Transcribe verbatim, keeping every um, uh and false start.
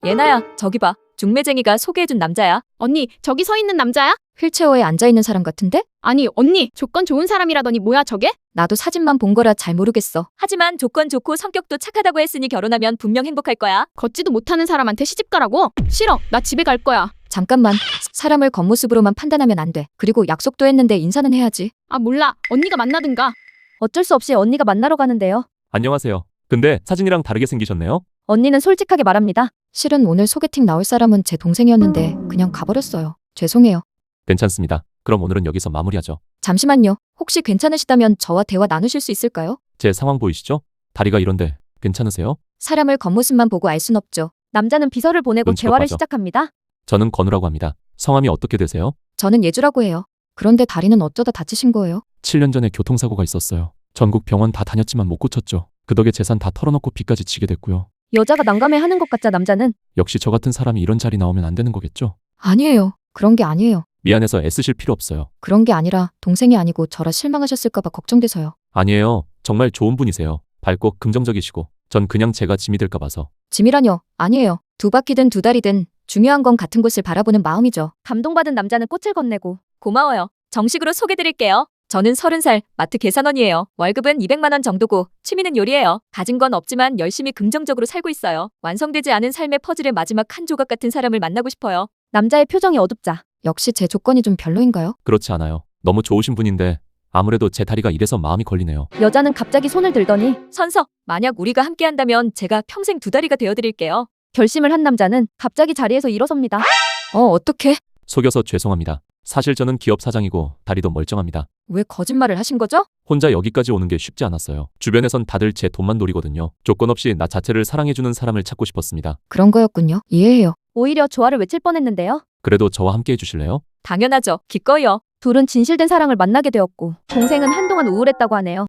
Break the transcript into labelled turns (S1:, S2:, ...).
S1: 예나야, 저기 봐. 중매쟁이가 소개해준 남자야.
S2: 언니, 저기 서 있는 남자야?
S1: 휠체어에 앉아있는 사람 같은데?
S2: 아니, 언니, 조건 좋은 사람이라더니 뭐야 저게?
S1: 나도 사진만 본 거라 잘 모르겠어. 하지만 조건 좋고 성격도 착하다고 했으니 결혼하면 분명 행복할 거야.
S2: 걷지도 못하는 사람한테 시집 가라고? 싫어, 나 집에 갈 거야.
S1: 잠깐만. 사람을 겉모습으로만 판단하면 안 돼. 그리고 약속도 했는데 인사는 해야지.
S2: 아 몰라, 언니가 만나든가.
S1: 어쩔 수 없이 언니가 만나러 가는데요.
S3: 안녕하세요. 근데 사진이랑 다르게 생기셨네요?
S1: 언니는 솔직하게 말합니다. 실은 오늘 소개팅 나올 사람은 제 동생이었는데 그냥 가버렸어요. 죄송해요.
S3: 괜찮습니다. 그럼 오늘은 여기서 마무리하죠.
S1: 잠시만요. 혹시 괜찮으시다면 저와 대화 나누실 수 있을까요?
S3: 제 상황 보이시죠? 다리가 이런데 괜찮으세요?
S1: 사람을 겉모습만 보고 알 순 없죠. 남자는 비서를 보내고
S3: 눈치가
S1: 대화를
S3: 빠져.
S1: 시작합니다.
S3: 저는 건우라고 합니다. 성함이 어떻게 되세요?
S1: 저는 예주라고 해요. 그런데 다리는 어쩌다 다치신 거예요?
S3: 칠 년 전에 교통사고가 있었어요. 전국 병원 다 다녔지만 못 고쳤죠. 그 덕에 재산 다 털어놓고 빚까지 지게 됐고요.
S1: 여자가 난감해하는 것 같자 남자는.
S3: 역시 저 같은 사람이 이런 자리 나오면 안 되는 거겠죠?
S1: 아니에요. 그런 게 아니에요.
S3: 미안해서 애쓰실 필요 없어요.
S1: 그런 게 아니라 동생이 아니고 저라 실망하셨을까 봐 걱정돼서요.
S3: 아니에요. 정말 좋은 분이세요. 밝고 긍정적이시고 전 그냥 제가 짐이 될까 봐서.
S1: 짐이라뇨? 아니에요. 두 바퀴든 두 다리든 중요한 건 같은 곳을 바라보는 마음이죠. 감동받은 남자는 꽃을 건네고. 고마워요. 정식으로 소개드릴게요. 저는 서른 살 마트 계산원이에요. 월급은 이백만 원 정도고 취미는 요리예요. 가진 건 없지만 열심히 긍정적으로 살고 있어요. 완성되지 않은 삶의 퍼즐의 마지막 한 조각 같은 사람을 만나고 싶어요. 남자의 표정이 어둡자. 역시 제 조건이 좀 별로인가요?
S3: 그렇지 않아요. 너무 좋으신 분인데 아무래도 제 다리가 이래서 마음이 걸리네요.
S1: 여자는 갑자기 손을 들더니 선서, 만약 우리가 함께한다면 제가 평생 두 다리가 되어드릴게요. 결심을 한 남자는 갑자기 자리에서 일어섭니다. 어, 어떡해?
S3: 속여서 죄송합니다. 사실 저는 기업 사장이고 다리도 멀쩡합니다.
S1: 왜 거짓말을 하신 거죠?
S3: 혼자 여기까지 오는 게 쉽지 않았어요. 주변에선 다들 제 돈만 노리거든요. 조건 없이 나 자체를 사랑해주는 사람을 찾고 싶었습니다.
S1: 그런 거였군요. 이해해요. 오히려 조화를 외칠 뻔했는데요.
S3: 그래도 저와 함께 해주실래요?
S1: 당연하죠. 기꺼이요. 둘은 진실된 사랑을 만나게 되었고 동생은 한동안 우울했다고 하네요.